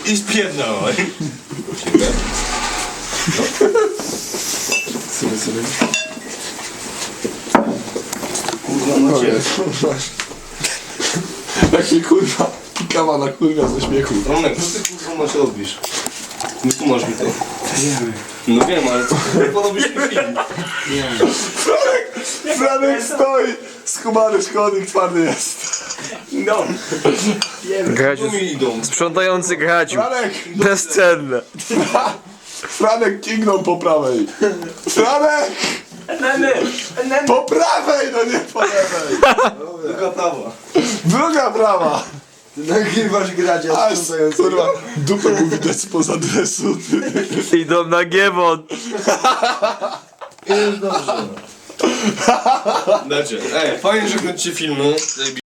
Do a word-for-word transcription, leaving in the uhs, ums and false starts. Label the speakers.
Speaker 1: I spierdolaj.
Speaker 2: Sobie, sobie.
Speaker 1: Kurwa, no cię.
Speaker 2: Jak się kurwa, kawa na kurwa ze śmiechu.
Speaker 1: Romek, co ty kurwa masz robisz? Nie tłumacz mi to. No wiem, ale co ty porobisz mi film?
Speaker 2: Franek, Franek stoi, schumany szkodnik, twardy jest.
Speaker 3: No.
Speaker 4: Gradziu,
Speaker 1: Tu mi idą.
Speaker 4: sprzątający Gradziu.
Speaker 2: Franek,
Speaker 4: Bezcenne.
Speaker 2: Franek kignął po prawej. Franek,
Speaker 3: Enemy! Enemy!
Speaker 2: po prawej, no nie po lewej.
Speaker 1: Druga prawa.
Speaker 2: Druga prawa.
Speaker 5: Nagrywasz grać, a
Speaker 2: Aż, kurwa, dupę mu widać spoza dresu.
Speaker 4: Idą na giewon.
Speaker 5: Jest dobrze.
Speaker 1: Dacie. Ej, fajnie, że kręcicie filmy.